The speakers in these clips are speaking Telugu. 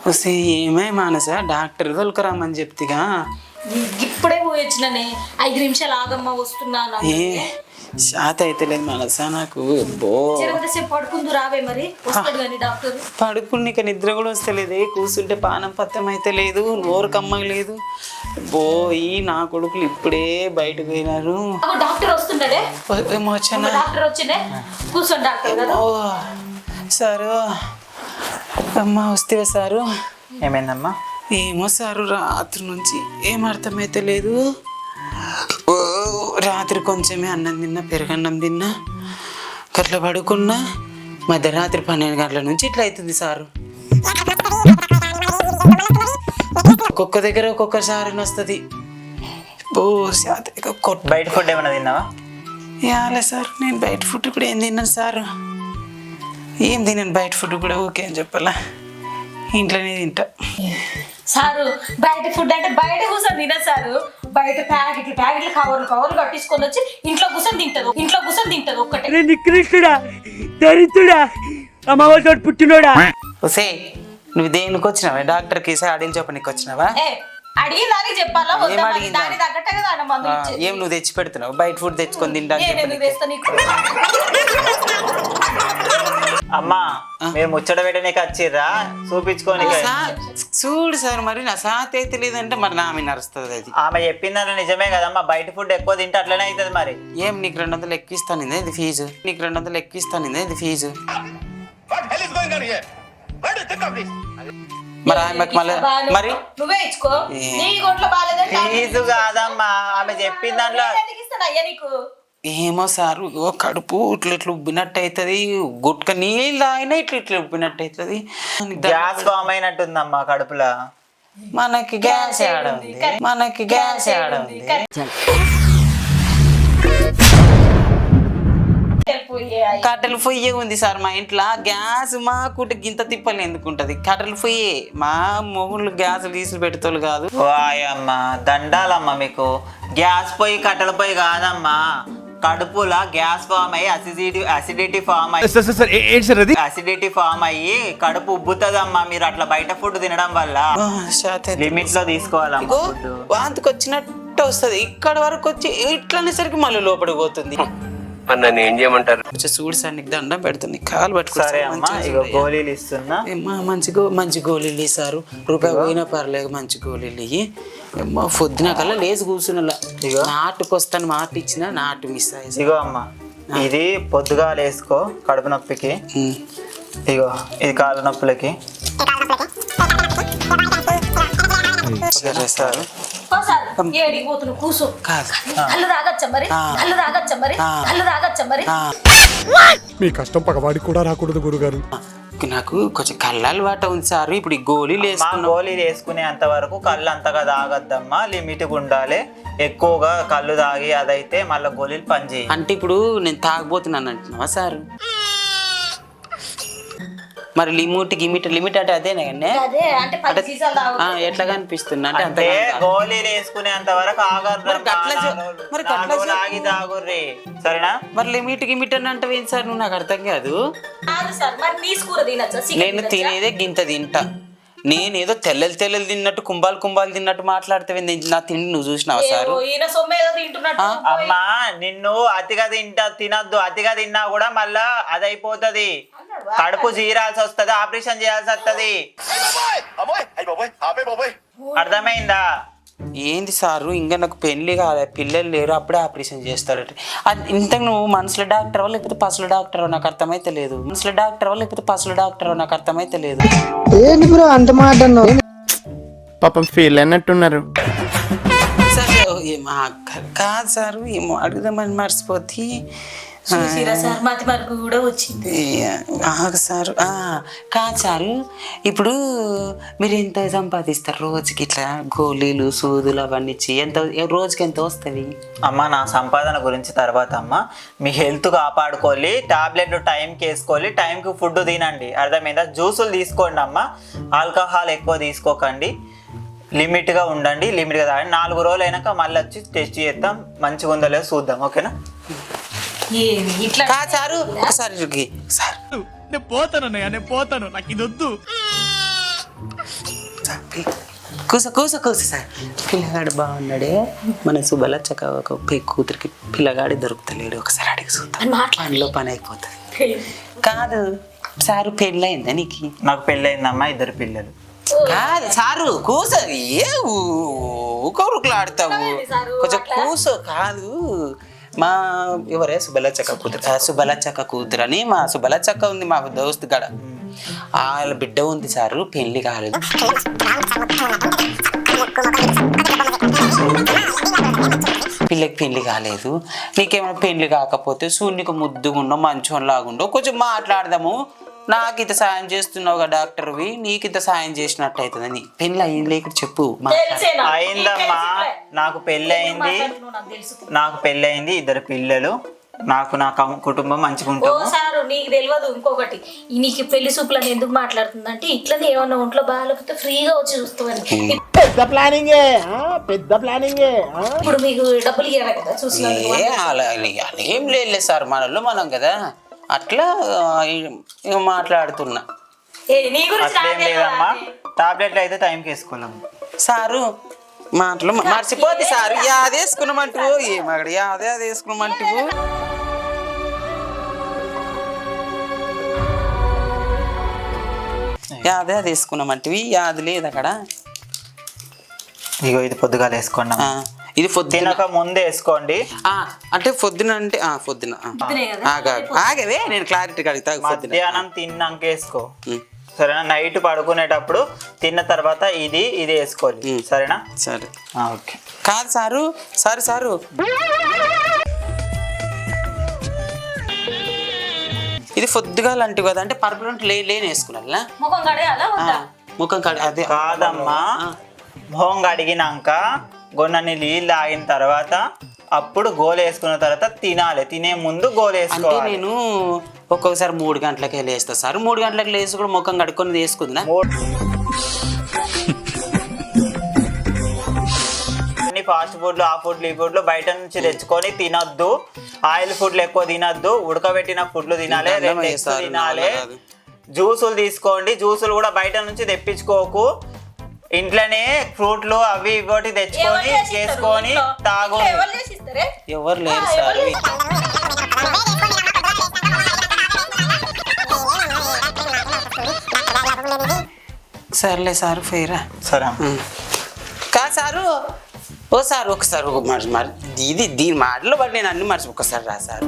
వస్తే ఏమే మానస డాక్టర్ తొలకరామని చెప్తిగా. ఇప్పుడే పోయి వచ్చిననే 5 నిమిషాలు ఆగమ్మ వస్తున్నాను. ఏ శాత అయితే లేదు మానస నాకు. సేపు పడుకుందు రావే మరి వస్తాడు కానీ డాక్టర్. పడుకుని నిద్ర కూడా వస్తలేదు. కూర్చుంటే పానం పత్తం అయితే లేదు, నోరు కమ్మగా లేదు. ఈ నా కొడుకులు ఇప్పుడే బయటకు పోయినారు. డాక్టర్ వస్తున్నాడే. డాక్టర్ వచ్చిండే కూర్చోండి డాక్టర్ గారు. సారు అమ్మా వస్తే సారు. ఏమైందమ్మా? ఏమో సారు రాత్రి నుంచి ఏం అర్థమైతే లేదు. రాత్రి కొంచెమే అన్నం తిన్నా, పెరుగన్నం తిన్నా, గట్ల పడుకున్నా. మధ్యరాత్రి 12 గంటల నుంచి ఇట్లా అవుతుంది సారు. ఒక్కొక్క దగ్గర ఒక్కొక్కసారి వస్తుంది. బయట ఫుడ్ ఏమైనా తిన్నావా? యాలే సార్ నేను బయట ఫుడ్ కూడా ఏం తిన్నాను సారు. ఏం తిన్నాను బయట ఫుడ్ కూడా. ఓకే అని చెప్పాలా, ఇంట్లోనే తింటా సారు. బయట ఫుడ్ అంటే బయట కూర్చొని తిన సారు. బయట ప్యాకెట్లు కవర్లు కట్టించుకొని వచ్చి ఇంట్లో కూర్చొని తింటది ఒక్కటే. నికృష్టుడా, దరిద్రుడా, అమ్మవారి పుట్టినోడా. ఒసే నువ్వు దేనికి వచ్చినావా? డాక్టర్కి అడిగి చెప్పనీకి వచ్చినావా? అడిగి దానికి చెప్పాలా? దాని తగ్గట్టే కదా ఏం నువ్వు తెచ్చి పెడుతున్నావు? బయట ఫుడ్ తెచ్చుకొని తింటా. అమ్మా మీరు ముచ్చట పెట్టడానికి వచ్చిర్రా చూపించుకొని? చూడు సార్ మరి నా సాత్ అయితే లేదంటే మరి నా మీద నడుస్తుంది అది. ఆమె చెప్పిందని నిజమే కదమ్మా. బయట ఫుడ్ ఎక్కువ తింటే అట్లనే అవుతుంది మరి. ఏం నీకు 200 ఎక్కిస్తాను ఇది ఫీజు. ఇది ఫీజు. మరి ఆమెకు మళ్ళీ మరి నువ్వే ఇచ్చుకో. ఫీజు కాదమ్మా, ఆమె చెప్పిన దాంట్లో. ఏమో సారు కడుపు ఇట్లా ఉబ్బినట్టు అవుతుంది. గుట్క నీళ్ళు తాగినా ఇట్లా ఉబ్బినట్టు అవుతుంది. గ్యాస్ ఫామ్ అయినట్టుందమ్మా కడుపులో. మనకి గ్యాస్ ఆడంది. కట్టెలు పొయ్యే ఉంది సార్ మా ఇంట్లో. గ్యాస్ మా కుట గింత తిప్పలు ఎందుకుంటది? కట్టెలు పొయ్యే. మా మొగుళ్ళు గ్యాస్ గీసులు పెట్టేతోళ్ళు కాదు. వాయమ్మా దండాలమ్మా మీకు. గ్యాస్ పొయ్యి కట్టెల పొయ్యి కాదమ్మా, కడుపులా గ్యాస్ ఫామ్ అయ్యి అసిడిటీ ఫామ్ అయ్యి కడుపు ఉబ్బుతుందమ్మా. మీరు అట్లా బయట ఫుడ్ తినడం వల్ల. లిమిట్ లో తీసుకోవాలమ్మా ఫుడ్. వాంతికి వచ్చినట్టు వస్తుంది. ఇక్కడ వరకు వచ్చి ఇట్లనేసరికి మళ్ళీ లోపలికి పోతుంది. నన్ను ఏం చేయమంటారు? చూడు సార్ నీకు దండం పెడుతుంది, కాలు పట్టుకో. గోళీలు ఇస్తున్నా. మంచి గోళీలు ఇస్తారు. రూపాయి పోయినా పర్లేదు, మంచి గోళీలు ఇవి. పొద్దున కల్లా లేచి కూర్చున్నా. నాటుకొస్తాను మాట ఇచ్చిన నాటు మిస్ అయ్యి. ఇగో అమ్మా ఇది పొద్దుగా వేసుకో కడుపు నొప్పికి. ఇగో ఇది కాళ్ళ నొప్పులకి. మీ కష్టం పగవాడికి కూడా రాకూడదు గురుగారు. నాకు కొంచెం కళ్ళు అలవాటు ఉంది సార్. ఇప్పుడు గోళీలు వేసుకునేంత వరకు కళ్ళు అంతగా తాగద్దమ్మా, లిమిట్గా ఉండాలి. ఎక్కువగా కళ్ళు తాగి అదైతే మళ్ళీ గోళీలు పనిచేయి. అంటే ఇప్పుడు నేను తాగబోతున్నాను అంటున్నావా సార్? మరి లిమిట్ అంటే అదేనా ఎట్లా కనిపిస్తుంది? అంటే గోళీలు వేసుకునేంత వరకు తాగుర్రి సరేనా? మరి లిమిట్ అని అంటే ఏంటి సార్? నువ్వు నాకు అర్థం కాదు. నేను తినేదే గింత తింటా. నేనేదో తెల్లలు తిన్నట్టు కుంభాలు తిన్నట్టు మాట్లాడితే నా తిండి నువ్వు చూసినావా సార్? అమ్మా నిన్ను అతిగా తినద్దు. అతిగా తిన్నా కూడా మళ్ళా అదైపోతుంది, కడుపు జీరాల్సి వస్తుంది, ఆపరేషన్ చేయాల్సి వస్తుంది. అర్థమైందా? ఏంది సారు ఇంకా నాకు పెళ్లి కాలే, పిల్లలు లేరు, అప్పుడే ఆపరేషన్ చేస్తాడట. అది ఇంతకు నువ్వు మనసులో డాక్టర్ లేకపోతే పసుల డాక్టర్ నాకు అర్థమైతే లేదు. ఏంటి బ్రో అంత మాట పాపం ఫీల్ అన్నట్టున్నారు. కాదు సారు ఏమో అడుగుదామని మర్చిపోతే కూడా వచ్చింది సారు. కాదు సారు ఇప్పుడు మీరు ఎంత సంపాదిస్తారు రోజుకి? ఇట్లా గోళీలు సూదులు అవన్నీ ఎంత రోజుకి ఎంత వస్తుంది? అమ్మ నా సంపాదన గురించి తర్వాత అమ్మ. మీ హెల్త్ కాపాడుకోవాలి, టాబ్లెట్లు టైంకి వేసుకోవాలి, టైంకి ఫుడ్ తినండి. అర్థమైందా? జ్యూసులు తీసుకోండి అమ్మ, ఆల్కహాల్ ఎక్కువ తీసుకోకండి, లిమిట్గా ఉండండి, లిమిట్గా తాగండి. 4 రోజులు అయినాక మళ్ళీ వచ్చి టెస్ట్ చేద్దాం, మంచిగా ఉందో లేదో చూద్దాం. ఓకేనా? సారు ఒకసారి నేను పోతాను నాకు ఇది వద్దు. కూస కూస కూస సార్. పిల్లగాడు బాగున్నాడే, మన సుబలచ్చక ఒక కూతురికి పిల్లగాడి దొరుకుతలేడు, ఒకసారి అడిగి చూద్దాం, పనిలో పని అయిపోతుంది. కాదు సారు, పెళ్ళయిందా నీకు? నాకు పెళ్ళయిందమ్మా, 2 పిల్లలు. కాదు సారు, కూస ఏ ఊరుకులాడతావు, కొంచెం కూసో. కాదు మా ఎవరే సుబలచ్చక్క కూతురు, సుబలచ్చక్క కూతురు అని మా సుబలచ్చక్క ఉంది మా దోస్తు గడ, వాళ్ళ బిడ్డ ఉంది సారు, పెళ్లి కాలేదు. పిల్లకి పెళ్లి కాలేదు. నీకేమైనా పెళ్లి కాకపోతే సూర్యునికి ముద్దుగుండో మంచోని లాగుండో కొంచెం మాట్లాడదాము. నాకు ఇంత సాయం చేస్తున్నావు కదా డాక్టర్వి, నీకు ఇంత సాయం చేసినట్టు అవుతుందని. పెళ్ళి అయ్యింది లేక చెప్పు. అయిందమ్మా, నాకు పెళ్ళయింది, నాకు పెళ్ళయింది, 2 పిల్లలు, నాకు నా కుటుంబం మంచిగా ఉంటుంది. సారు నీకు తెలియదు ఇంకొకటి, నీకు పెళ్లి సూపులని ఎందుకు మాట్లాడుతుందంటే ఇట్లనే ఏమన్నా ఒంట్లో బాగాలేకపోతే ఫ్రీగా వచ్చి చూస్తామని. పెద్ద ప్లానింగే, పెద్ద ప్లానింగే. ఇప్పుడు మీకు డబ్బులు ఇవ్వాలి కదా చూసి. ఏం లేదు సార్, మనలో మనం కదా, అట్లా మాట్లాడుతున్నా. అట్లేం లేదమ్మా, టాబ్లెట్లు అయితే టైంకి వేసుకోలేము సారు. మాటలు మర్చిపోద్ది సారు, యాది వేసుకున్నామంటువు, ఏమక్కడ యాదే అది వేసుకున్నామంటువు. యాదే అది వేసుకున్నామంటివి, యాది లేదు అక్కడ. ఇగో ఇది పొద్దుగాల వేసుకోండి, ఇది పొద్దునక ముందే వేసుకోండి. అంటే పొద్దున అంటే పొద్దున ఆగవే, నేను క్లారిటీ అడుగుతా. మధ్యాహ్నం తిన్నాక వేసుకో, సరేనా? నైట్ పడుకునేటప్పుడు తిన్న తర్వాత ఇది వేసుకోవాలి, సరేనా? సరే ఓకే. కాదు సారు, సారు ఇది పొద్దుగా లాంటివి కదా, అంటే పర్మనెంట్ లేని వేసుకున్నా ముఖం కడ. అదే కాదమ్మా, మొహం కడిగినాక గొన్నని నీళ్ళు ఆగిన తర్వాత అప్పుడు గోలు వేసుకున్న తర్వాత తినాలి, తినే ముందు గోలు వేసుకోవాలి. అంటే నేను ఒక్కొక్కసారి 3 గంటలకే లేస్తా సార్, 3 గంటలకు లేసి కూడా ముఖం కడుక్కొని వేసుకుందా. అన్ని ఫాస్ట్ ఫుడ్లు, ఆ ఫుడ్లు, ఈ ఫుడ్లు బయట నుంచి తెచ్చుకొని తినొద్దు. ఆయిల్ ఫుడ్లు ఎక్కువ తినొద్దు, ఉడకబెట్టిన ఫుడ్లు తినాలి, 2 eggs తినాలి. జ్యూసులు తీసుకోండి, జ్యూసులు కూడా బయట నుంచి తెప్పించుకోకు, ఇంట్లోనే ఫ్రూట్లు అవి ఇవి తెచ్చుకొని చేసుకొని తాగు. ఎవరు లేరు సార్. సర్లే సారు, ఫెయిరా. సరే కాదు సారు, ఓ సార్ ఒకసారి ఇది దీని మాటలో బట్టి నేను అన్ని ఒకసారి రా సార్.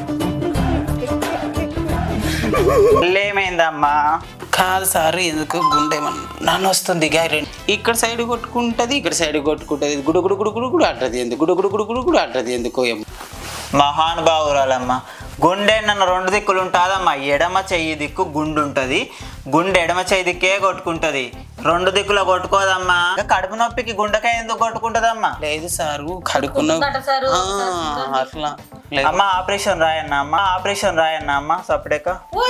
ఏమైందమ్మా? కాదు సార్, ఎందుకు గుండె నన్ను వస్తుంది, ఇక్కడ సైడ్ కొట్టుకుంటది, ఇక్కడ సైడ్ కొట్టుకుంటది, గుడుగుడు గుడుగుడు కూడా అంటది ఎందుకు, గుడుగుడు గుడుగుడు కూడా అంటది ఎందుకో ఏమో. మహానుభావురాలమ్మా, గుండె నన్ను 2 దిక్కులు ఉంటుందమ్మా. ఎడమ చెయ్యి దిక్కు గుండు ఉంటుంది, గుండె ఎడమ చెయ్యి దిక్కే కొట్టుకుంటది, 2 దిక్కులో కొట్టుకోదమ్మా. కడుపు నొప్పికి గుండెకాయ ఎందుకు కొట్టుకుంటదమ్మా? లేదు సారు, కడుకున్న అట్లా అమ్మ. ఆపరేషన్ రాయన్నా అమ్మ, ఆపరేషన్ రాయన్నా అమ్మ. సపడేక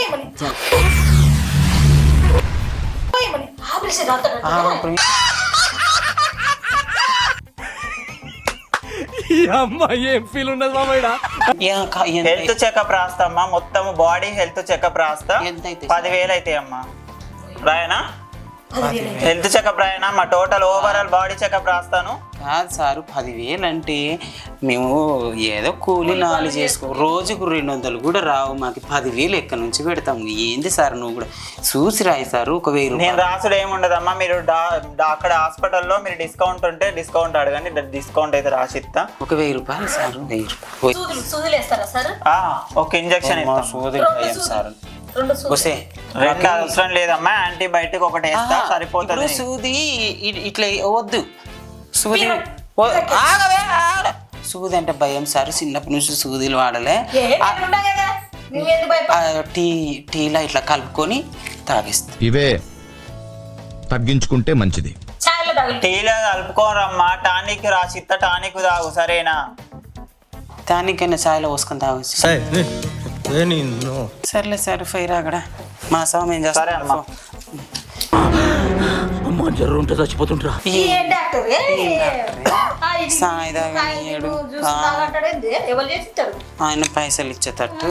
హెల్త్ చెకప్ రాస్తామ్మా, మొత్తం బాడీ హెల్త్ చెకప్ రాస్తా. 10,000 అవుతాయి అమ్మా. రాయనా? హెల్త్ చెకప్ రాయనా అమ్మా, టోటల్ ఓవరాల్ బాడీ చెకప్ రాస్తాను. కాదు సారు, 10,000 అంటే మేము ఏదో కూలి 4 చేసుకో, రోజుకు 200 కూడా రావు మాకు. 10,000 ఎక్కడి నుంచి పెడతాము? ఏంది సార్ నువ్వు కూడా చూసి రాయి సారు. 1,000 నేను రాసుడు ఏముండదమ్మా, మీరు అక్కడ హాస్పిటల్లో మీరు డిస్కౌంట్ ఉంటే డిస్కౌంట్ అడగండి, డిస్కౌంట్ అయితే రాసిస్తా. 1,000 రూపాయలు సార్, 1,000 రూపాయలు ఒక ఇంజక్షన్ సార్. 2 అవసరం లేదమ్మా, యాంటీబయాటిక్ ఒకటి వేస్తా సరిపోతుంది. సూది ఇట్లా వద్దు, సూది సూది అంటే భయం సార్, చిన్నప్పటి నుంచి సూదిలు వాడలే. టీలా ఇట్లా కలుపుకొని తాగిస్తా. ఇవే తగ్గించుకుంటే మంచిది. టీలో కలుపుకోరమ్మా, టానిక్ రాసిస్తా, టానిక్ తాగు, సరేనా? టానిక్ అయినా చాయ్లో పోసుకొని తాగొచ్చు. సర్లే సార్, ఫైర్ అక్కడ మా స్వామి ఏం చేస్తారమ్మా. చచ్చిపోతుంటా ఆయన పైసలు ఇచ్చేటట్టు.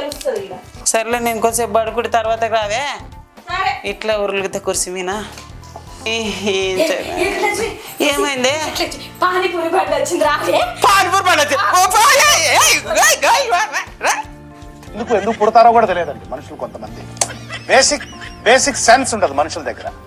సర్లే, నేను కొంచెంసేపు పడుకుంటే తర్వాత రావే, ఇట్లా ఉరులుగుతా కుర్చీ మీనా. ఏం చేయాలి? ఏమైంది? పానీపూరి బండి వచ్చింది రాలే. పానీపూరి బండి వచ్చింది. ఓ పోయే. ఏయ్, ఏయ్, ఏయ్, రా. ఎందుకు పుడతారో కూడా తెలియదండి మనుషులు కొంతమంది. బేసిక్ సెన్స్ ఉండదు మనుషుల దగ్గర.